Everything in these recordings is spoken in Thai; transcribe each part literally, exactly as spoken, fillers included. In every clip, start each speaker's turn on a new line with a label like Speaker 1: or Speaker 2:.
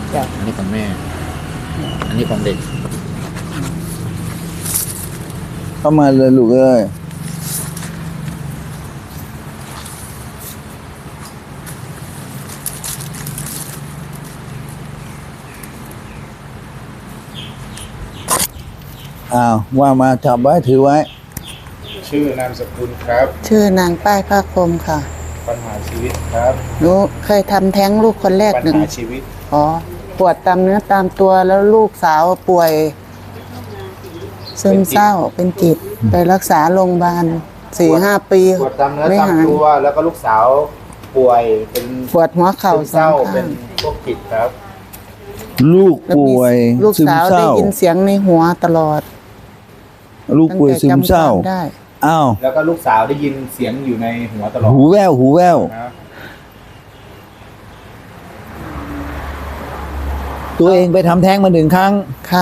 Speaker 1: จ้ะ
Speaker 2: อันนี้ของแม่ อันนี้ของเด็ก
Speaker 3: เข้ามาเลยลูกเอ้ยอ้าวว่ามาจับไว้ถือไว้
Speaker 4: ชื่อนามสกุลครับ
Speaker 1: ชื่อนางป้ายภาคมค่ะ
Speaker 4: ปัญหาชีวิตครับ
Speaker 1: หนูเคยทำแท้งลูกคนแรก
Speaker 4: ปัญ
Speaker 1: หนึ่ง
Speaker 4: หาชีวิต
Speaker 1: อ๋อปวดตามเนื้อตามตัวแล้วลูกสาวป่วยซึมเศร้าเป็นจิต ไปรักษาโรงพยาบาลสี่ห้าปี
Speaker 4: ปวดตามเนื้อ
Speaker 1: ไม่
Speaker 4: ตาม
Speaker 1: หาย
Speaker 4: ตัวแล้วก็ลูกสาวป่วยเป็น
Speaker 1: ปวดหัวเข่า
Speaker 4: ซึม
Speaker 1: ส
Speaker 4: เศ
Speaker 1: อ
Speaker 4: ร้าง
Speaker 1: ข้า
Speaker 4: เป็น
Speaker 1: ง
Speaker 4: พวกจิตครับ
Speaker 3: ลูก
Speaker 1: แล้วมี
Speaker 3: ป่วย
Speaker 1: ลูก
Speaker 3: ซึม
Speaker 1: สาว
Speaker 3: เศ
Speaker 1: ได้
Speaker 3: ร้า
Speaker 1: ยินเสียงในหัวตลอด
Speaker 3: ลูกป่วยซึมเศร้า
Speaker 1: ตั้งแต่จำความได้
Speaker 3: อ้าว
Speaker 4: แล้วก็ลูกสาวได้ยินเสียงอยู่ในหัวตลอด
Speaker 3: หูแว่วหูแว่ว
Speaker 4: นะ
Speaker 3: ตัวเองไปทำแท้งมาหนึ่งครั้ง
Speaker 1: ค่ะ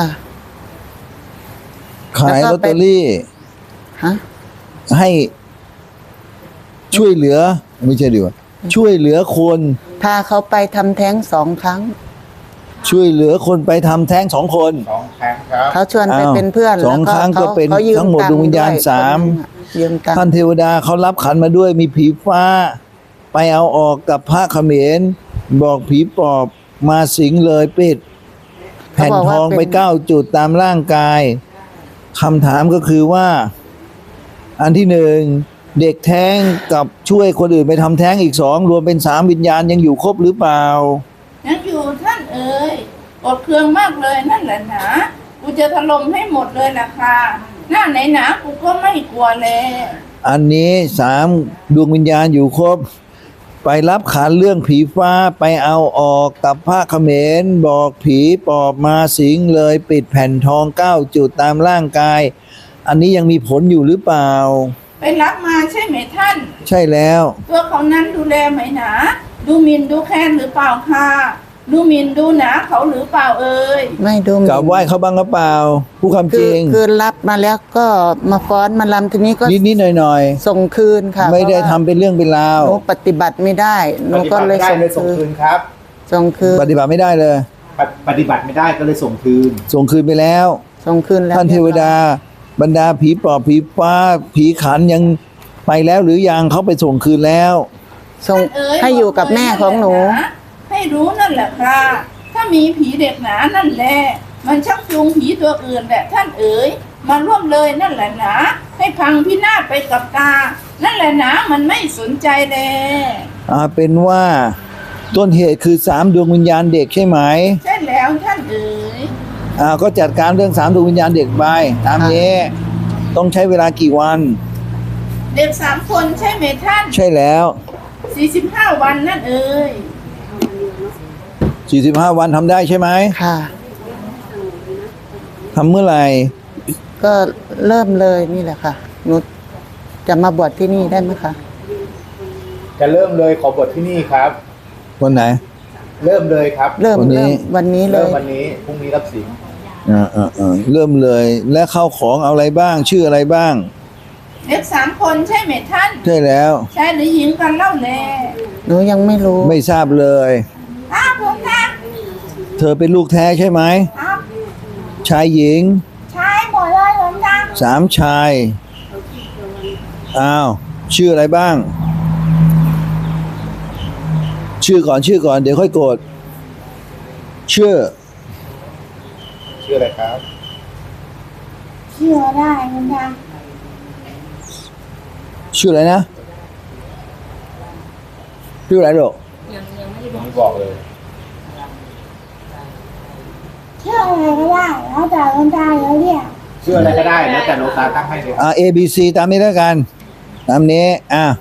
Speaker 3: ขาย
Speaker 1: แล้ว
Speaker 3: ล
Speaker 1: ก็
Speaker 3: อต
Speaker 1: ไป
Speaker 3: เตอรี่
Speaker 1: ฮะ
Speaker 3: ให้ช่วยเหลือ ไม่ใช่ดีกว่าช่วยเหลือคน
Speaker 1: พาเขาไปทำแท้งสองครั้ง
Speaker 3: ช่วยเหลือคนไปทำแท้งสองคน
Speaker 4: สองครั้งครับ
Speaker 1: เขาชวนไป
Speaker 3: อ้าว
Speaker 1: เป็นเพื่อน
Speaker 3: สอง
Speaker 1: แล้ว
Speaker 3: ครั้งก็
Speaker 1: ขา
Speaker 3: เป็น
Speaker 1: ขายื
Speaker 3: ทั้งหมด
Speaker 1: ตั
Speaker 3: ดวงวิญญาณ
Speaker 1: ด้วย
Speaker 3: สาม
Speaker 1: คนหนึ่งอะยืมตัง
Speaker 3: ท่าน
Speaker 1: ค์
Speaker 3: เทวดาเขารับขันมาด้วยมีผีฟ้า ไปเอาออกกับพระเขมรบอกผีปอบมาสิงเลยปิด แผ่นทองไปเก้าจุดตามร่างกายคำถามก็คือว่า อันที่หนึ่งเด็กแท้งกับช่วยคนอื่นไปทำแท้งอีกสองรวมเป็นสามวิญญาณยังอยู่ครบหรือเปล่า
Speaker 5: ยังอยู่ท่านเอ๋ยอดเครื่องมากเลยนั่นแหละหนากูจะถล่มให้หมดเลยล่ะค่ะหน้าไหนหนากูก็ไม่กลัวเลย
Speaker 3: อันนี้สามดวงวิญญาณอยู่ครบ ไปรับขันเรื่องผีฟ้าไปเอาออกกับพระเขมรบอกผีปอบมาสิงเลยปิดแผ่นทองเก้าจุดตามร่างกาย อันนี้ยังมีผลอยู่หรือเปล่า
Speaker 5: ไปรับมาใช่ไหมท่าน
Speaker 3: ใช่แล้ว
Speaker 5: ตัวเขานั้นดูแลไหมหนาดูหมินดูแค้นหรือเปล่าค่ะดูหมินดูหนาเขาหรือเปล่าเอ่ย
Speaker 1: ไม่ดูหมิ่น
Speaker 3: กลับไหว้เขาบ้างหรือเปล่า ผู้คำจ
Speaker 1: คือ
Speaker 3: ริง
Speaker 1: คือรับมาแล้วก็มาฟ้อนมาลำทีนี้ก็
Speaker 3: นิดนิดหน่อยหน่อย
Speaker 1: ส่งคืนค่ะ
Speaker 3: ๆไม่ได้
Speaker 1: พราะ
Speaker 3: ทำ
Speaker 1: ว่า
Speaker 3: เป็นเรื่องเป็นราว
Speaker 1: หนูปฏิบัติไม่ได้หนู
Speaker 4: ปฏิ
Speaker 1: ก็
Speaker 4: บัติ
Speaker 1: เล
Speaker 4: ไม่
Speaker 1: ย
Speaker 4: ได้
Speaker 1: ส่ง
Speaker 4: เลยส่ง
Speaker 1: คื
Speaker 4: คื
Speaker 1: น
Speaker 4: นครับ
Speaker 1: ส่งคืน
Speaker 3: ปฏิบัติไม่ได้เลย
Speaker 4: ปฏิปฏิบัติไม่ได้ก็เลยส่งคืน
Speaker 3: ส่งคืนไปแล้ว
Speaker 1: ส่งคืนแล้ว
Speaker 3: ท่านเทวดา บรรดาผีปอบผีฟ้า ผีขันยังไปแล้วหรือยังเขาไปส่งคืนแล้ว
Speaker 1: ส่ง
Speaker 5: ท่านเอ๋ย
Speaker 1: ให้อยู่กับแม่ของหนู
Speaker 5: บกเลยะให้รู้นั่นแหละค่ะถ้ามีผีเด็กหนานั่นแหละมันชักจูงผีตัวอื่นแหละท่านเอ๋ยมาร่วมเลยนั่นแหละหนาให้พังพินาศไปกับตา นั่นแหละหนามันไม่สนใจเลย
Speaker 3: อ่าเป็นว่าต้นเหตุคือสามดวงวิญญาณเด็กใช่ไหม
Speaker 5: ใช่แล้วท่านเอ๋ย
Speaker 3: อ่าก็จัดการเรื่องสามดวงวิญญาณเด็กไปตามนี้ ต้องใช้เวลากี่วัน
Speaker 5: เด็กสามคนใช่ไหมท่าน
Speaker 3: ใช่แล้ว
Speaker 5: สี่สิบห้าวันนั่นเอ๋ย
Speaker 3: สี่สิบห้าวันทำได้ใช่ไหม
Speaker 1: ค่ะ
Speaker 3: ทำเมื่อไหร่
Speaker 1: ก็เริ่มเลยนี่แหละค่ะหนูจะมาบวชที่นี่ได้ไหมคะ
Speaker 4: จะเริ่มเลยขอบทที่นี่ครับ
Speaker 3: วันไหน
Speaker 4: เริ่มเลยครับ
Speaker 1: เริ่ม
Speaker 3: วันนี้
Speaker 1: เริ่มวันนี้เล
Speaker 4: เริ่ม
Speaker 1: ย
Speaker 4: วันนี้พรุ่งนี้รับสิง
Speaker 3: อ่าอ่าอ่าเริ่มเลย และเข้าของเอาอะไรบ้าง ชื่ออะไรบ้าง
Speaker 5: เด็กสามคนใช่ไหมท่าน
Speaker 3: ใช่แล้ว
Speaker 5: ชายหรือหญิงกันเล่าแล
Speaker 1: หนูยังไม่รู้
Speaker 3: ไม่ทราบเลย
Speaker 5: อ้าวผมนะ
Speaker 3: เธอเป็นลูกแท้ใช่ไหม
Speaker 5: ครับ
Speaker 3: ชายหญิง
Speaker 5: ชายหมดเลยผมนะ
Speaker 3: สามชายอ้าวชื่ออะไรบ้าง ชื่อก่อนชื่อก่อนเดี๋ยวค่อยโกรธชื่อ
Speaker 4: ชื่ออะไรครับ
Speaker 5: เชื่อได้ผมนะ
Speaker 3: ชื่ออะไรนะชื่ออะไรลูก
Speaker 4: ผมไม่บอกเลย
Speaker 5: เชื่ออะไรก็ได้แล้วแต่คนตายแล้วเนี่ย
Speaker 4: ชื่ออะไรก็ได้แล้วแต่หลวงตาตั้งให้เลย
Speaker 3: อ่า A B C ตามนี้แล้วกัน ตามนี้อ่ะ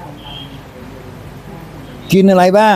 Speaker 3: กินอะไรบ้าง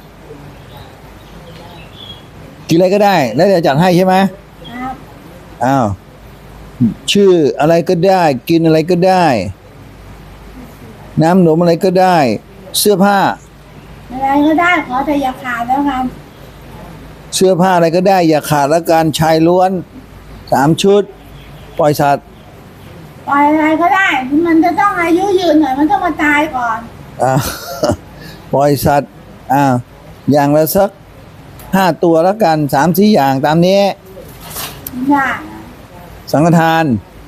Speaker 3: กินอะไรก็ได้ แล้วจะจัดให้ใช่ไหม
Speaker 5: ครับ
Speaker 3: อ้าวชื่ออะไรก็ได้ กินอะไรก็ได้ น้ำหนมอะไรก็ได้ เสื้อผ้า
Speaker 5: อะไรก็ได้ขอแต่อย่าขาดแล้วกัน
Speaker 3: เสื้อผ้าอะไรก็ได้ อย่าขาดละกันชายล้วนสามชุด ปล่อยสัตว์
Speaker 5: ปล่อยอะไรก็ได้มันจะต้องอายุยืนหน่อยมันต้องมาตายก่อน
Speaker 3: อ่า ปล่อยสัตว์อ่าอย่างละสักห้าตัวแล้วกันสามสี่อย่างตามนี้
Speaker 5: ได้
Speaker 3: สังฆทาน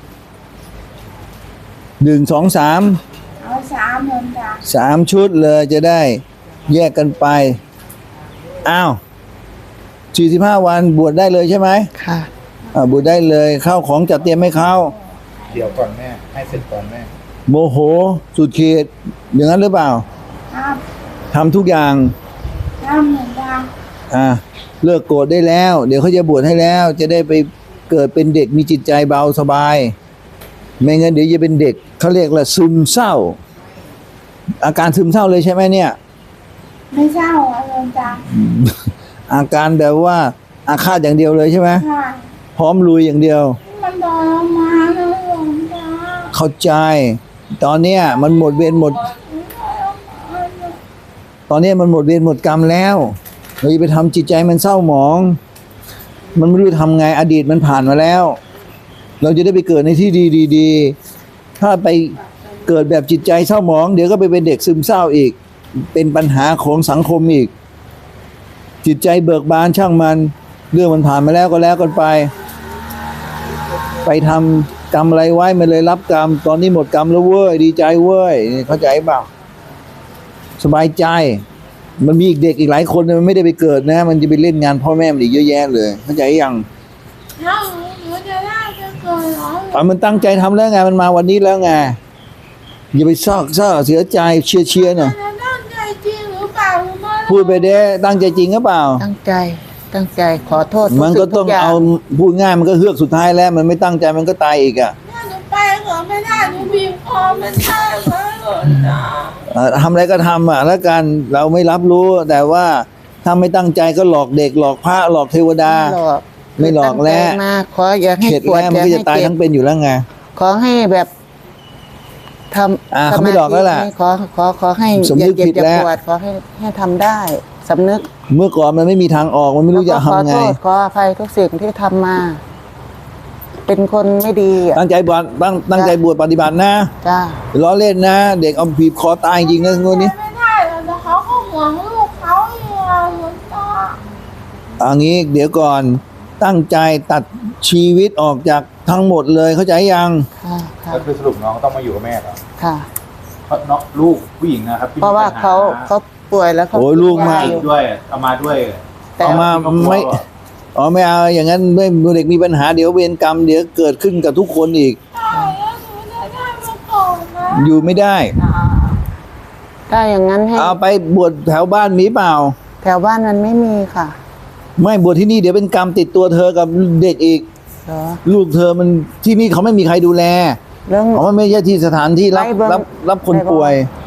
Speaker 3: หนึ่งสองสาม
Speaker 5: เอาสามหมื่นจ้ะ
Speaker 3: สามชุดเลยจะได้แยกกันไป อ้าวสี่สิบห้าวันบวชได้เลยใช่ไหม
Speaker 1: ค่ะ
Speaker 3: อ่าบวชได้เลยข้าวของจัดเตรียมให้เขา
Speaker 4: เดี๋ยวก่อนแม่ ให้เสร็จก่อนแม่
Speaker 3: โมโหสุดเขตอย่างนั้นหรือเปล่า
Speaker 5: ครับ
Speaker 3: ทำทุกอย่าง
Speaker 5: สามหมื่นจ้ะ
Speaker 3: อ่าเลิกโกรธได้แล้ว เดี๋ยวเขาจะบวชให้แล้ว จะได้ไปเกิดเป็นเด็กมีจิตใจเบาสบาย ไม่งั้นเดี๋ยวจะเป็นเด็กเขาเรียกว่าซึมเศร้า อาการซึมเศร้าเลยใช่ไหมเนี่ย
Speaker 5: ไม่เศร้าอะโยมจ้ะ
Speaker 3: อาการแบบว่าอาฆาตอย่างเดียวเลยใช่ไหม
Speaker 5: ค่ะ
Speaker 3: พร้อมลุยอย่างเดียว
Speaker 5: มันทรมานนะโยมจ้ะ
Speaker 3: เข้าใจ ตอนเนี้ยมันหมดเวรหมด
Speaker 5: มันทรมานอะ
Speaker 3: ตอนเนี้ยมันหมดเวรหมดกรรมแล้วเราจะไปทำจิตใจมันเศร้าหมอง มันไม่รู้จะทำไงอดีตมันผ่านมาแล้ว เราจะได้ไปเกิดในที่ดีๆถ้าไปเกิดแบบจิตใจเศร้าหมอง เดี๋ยวก็ไปเป็นเด็กซึมเศร้าอีก เป็นปัญหาของสังคมอีก จิตใจเบิกบานช่างมัน เรื่องมันผ่านมาแล้วก็แล้วกันไป ไปทำกรรมอะไรไว้มันเลยรับกรรม ตอนนี้หมดกรรมแล้วเว้ยดีใจเว้ยนี่เข้าใจเปล่าสบายใจ มันมีอีกเด็กอีกหลายคนมันไม่ได้ไปเกิดนะ มันจะไปเล่นงานพ่อแม่มันอีกเยอะแยะเลยเข้าใจยัง
Speaker 5: แล้วหนูจะได้จะเกิดเหรอ
Speaker 3: อ่ะมันตั้งใจทำแล้วไงมันมาวันนี้แล้วไงอย่าไปซอกเศร้าเสียใจเชียร์เชียร์หน่อย
Speaker 5: จะตั้งใจจริงหรือเปล่าหรือไม่
Speaker 3: พูดไปเด้ตั้งใจจริงหรือเปล่า
Speaker 1: ตั้งใจ ตั้งใจ ขอโทษ
Speaker 3: มันก็ต้อง
Speaker 1: ทุย่
Speaker 3: เอาพูดง่ายมันก็เฮือกสุดท้ายแล้ว มันไม่ตั้งใจมันก็ตายอีกอ่ะ
Speaker 5: ถ้าหนูไปก็ไม่ได้หนูบีบคอมันได้ไหมหล่นนะ
Speaker 3: เอ่อทำอะไรก็ทำอ่ะแล้วกันเราไม่รับรู้แต่ว่าถ้าไม่ตั้งใจก็หลอกเด็กหลอกพระหลอกเทวดา
Speaker 1: ไม่หลอก
Speaker 3: ไม่หลอกแล้ว
Speaker 1: ตั้งใจมาขออย่าให้
Speaker 3: เข็ด
Speaker 1: ปวด
Speaker 3: แล้ว
Speaker 1: อ
Speaker 3: มัน
Speaker 1: ย่า
Speaker 3: ก็
Speaker 1: ให้
Speaker 3: จะตาย
Speaker 1: เจ็
Speaker 3: ทั้
Speaker 1: บ
Speaker 3: งเป็นอยู่แล้วไง
Speaker 1: ขอให้แบบทำ
Speaker 3: อ่าเขาไม่หลอกแล้วล่ะ
Speaker 1: สมาธิขอขอขอให้
Speaker 3: สำนึก
Speaker 1: อย่าเจ็บ
Speaker 3: ผิด
Speaker 1: อย่า
Speaker 3: แล้ว
Speaker 1: ปวดขอให้ให้ทำได้สำนึก
Speaker 3: เมื่อก่อนมันไม่มีทางออกมันไม่รู้จะ
Speaker 1: แล้วก็
Speaker 3: ทำไง
Speaker 1: ขอโทษขออภัยทุกสิ่งที่ทำมา เป็นคนไม่ดีอ่ะ
Speaker 3: ตั้งใจบวชตั้งตั้งใจบวชปฏิบัตินะ
Speaker 1: จ้า
Speaker 3: ล้อเล่นนะ เด็กเอาบีบคอตายจริงนะงวดนี้
Speaker 5: ไม่ได้หรอกแต่เขาก็ห่วงลูกเขาอยู่อะหลวงตา
Speaker 3: อันนี้เดี๋ยวก่อนตั้งใจตัดชีวิตออกจากทั้งหมดเลยเข้าใจยัง
Speaker 1: ค่ะค่ะ
Speaker 4: ก็คือสรุปน้องต้องมาอยู่กับแม่เหรอ
Speaker 1: ค่ะ
Speaker 4: เพราะน้องลูกผู้หญิงนะครับที่
Speaker 1: เพราะว่า
Speaker 4: ปัญห
Speaker 1: เขาเขาป่วยแล้วเขา
Speaker 3: โอ้ยลูกมา
Speaker 1: ยอยู่
Speaker 4: ด้วยเอามาด้วย
Speaker 1: แต่
Speaker 3: เอามาไม่อ๋อไม่เอาอย่างนั้นไม่เด็กมีปัญหาเดี๋ยวเวรกรรมเดี๋ยวเกิดขึ้นกับทุกคนอีก
Speaker 5: ตายแล้วหนูจะได้มาก่อนนะ
Speaker 3: อยู่ไม่ได้
Speaker 1: ถ้าอย่างนั้นให้
Speaker 3: เอาไปบวชแถวบ้านมีเปล่า
Speaker 1: แถวบ้านมันไม่มีค่ะ
Speaker 3: ไม่บวชที่นี่เดี๋ยวเป็นกรรมติดตัวเธอกับเด็กอีก
Speaker 1: เหรอ
Speaker 3: ลูกเธอมันที่นี่เขาไม่มีใครดูแล
Speaker 1: เรื่อง
Speaker 3: เพราะมันไม่ใช่ที่สถานที่รับ
Speaker 1: ไปเบิ่ง
Speaker 3: รับรับคน
Speaker 1: ไปเบิ่ง
Speaker 3: ป่วย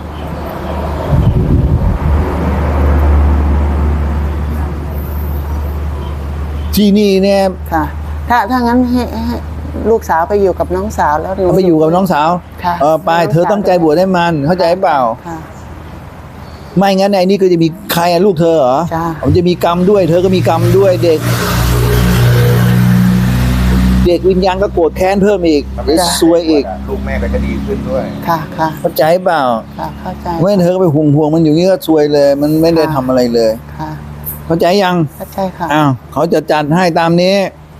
Speaker 3: ที่นี่เนี่ย
Speaker 1: ค่ะ ถ้าถ้างั้นให้ให้ลูกสาวไปอยู่กับน้องสาวแล้วหนู
Speaker 3: เอาไปอยู่กับน้องสาว
Speaker 1: ค่ะ
Speaker 3: เออไปเธอตั้งใจบวชให้มันเข้าใจเปล่า
Speaker 1: ค่ะ
Speaker 3: ไม่งั้นไอ้นี่ก็จะมีใครอะลูกเธอเหรอ
Speaker 1: จ้ะ
Speaker 3: มันจะมีกรรมด้วย เธอก็มีกรรมด้วยเด็ก เด็กวิญญาณก็โกรธแค้นเพิ่มอีกหรือซวยอีก
Speaker 4: ลูกแม่ก็จะดีขึ้นด้วย
Speaker 1: ค่ะค่ะ
Speaker 3: เข้าใจเปล่า
Speaker 1: ค่ะเข้าใจ
Speaker 3: ไม่งั้นเธอก็ไปห่วงห่วงๆมันอยู่นี่ก็ซวยเลย มันไม่ได้ทำอะไรเลย
Speaker 1: ค่ะ
Speaker 3: เข้าใจยัง
Speaker 1: เข้าใจค่ะ
Speaker 3: อ้าวเขาจะจัดให้ตามนี้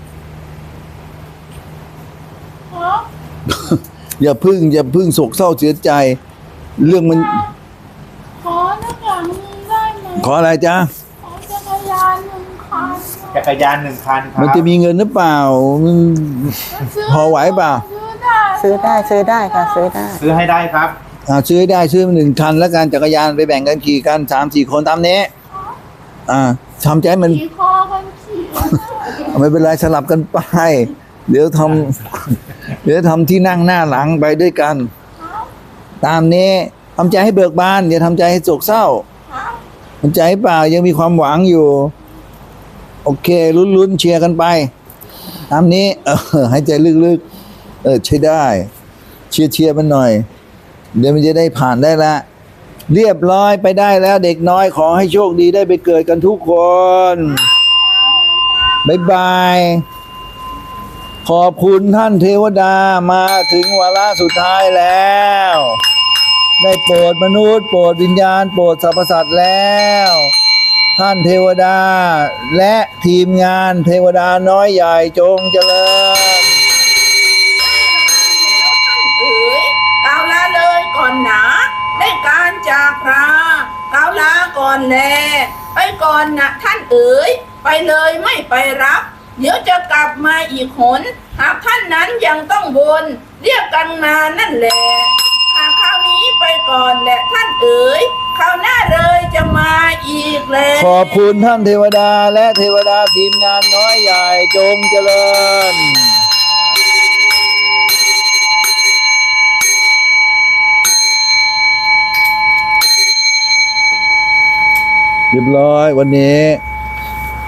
Speaker 5: ขอ
Speaker 3: อย่าพึ่งอย่าพึ่งโศกเศร้าเสียใจ เรื่องมัน
Speaker 5: ขอหน้ากากนึงได้ไหม
Speaker 3: ขออะไรจ๊ะ
Speaker 5: ขอจักรยานหนึ่งคัน
Speaker 4: จักรยานหนึ่งคันครับ
Speaker 3: มันจะมีเงินหรือเปล่ามัน
Speaker 5: ซื้
Speaker 3: พอไหวเปล่า
Speaker 5: ซื้อได้
Speaker 1: ซื้อได้ซื้อได้ค่ะ ซื้อได้
Speaker 4: ซื้อให้ได้ครับ
Speaker 3: อ่าซื้อให้ได้ซื้อมาหนึ่งคันแล้วกันจักรยานไปแบ่งกันขี่กันสามสี่คนตามนี้ อ่าทำใจให้มัน
Speaker 5: ขี่คอกันขี่
Speaker 3: ไม่เป็นไรสลับกันไป เดี๋ยวทำเดี๋ยวทำที่นั่งหน้าหลังไปด้วยกัน ตามนี้ทำใจให้เบิกบานอย่าทำใจให้โศกเศร้าทำใจให้เปล่ายังมีความหวังอยู่ โอเคลุ้นๆเชียร์กันไป ตามนี้ เออหายใจลึกๆเออใช้ได้ เชียร์เชียร์มันหน่อย เดี๋ยวมันจะได้ผ่านได้ละ เรียบร้อยไปได้แล้วเด็กน้อยขอให้โชคดีได้ไปเกิดกันทุกคนบ๊ายบาย ขอบคุณท่านเทวดามาถึงวาระสุดท้ายแล้ว ได้โปรดมนุษย์โปรดวิญญาณโปรดสรรพสัตว์แล้วท่านเทวดา และทีมงานเทวดาน้อยใหญ่จงเจริญ
Speaker 5: แล้วท่านเอ๋ยกล่าวลาเลยก่อนหนาได้การจากพระกล่าวลาก่อนแลไปก่อนนะท่านเอ๋ยไปเลยไม่ไปรับ เดี๋ยวจะกลับมาอีกหนหากท่านนั้นยังต้องวนเรียกกันมานั่นแหละหากคราวนี้ไปก่อนแหละท่านเอ๋ยคราวหน้าเลยจะมาอีกแล้ว
Speaker 3: ขอบคุณท่านเทวดาและเทวดาทีมงานน้อยใหญ่จงเจริญ เรียบร้อยวันนี้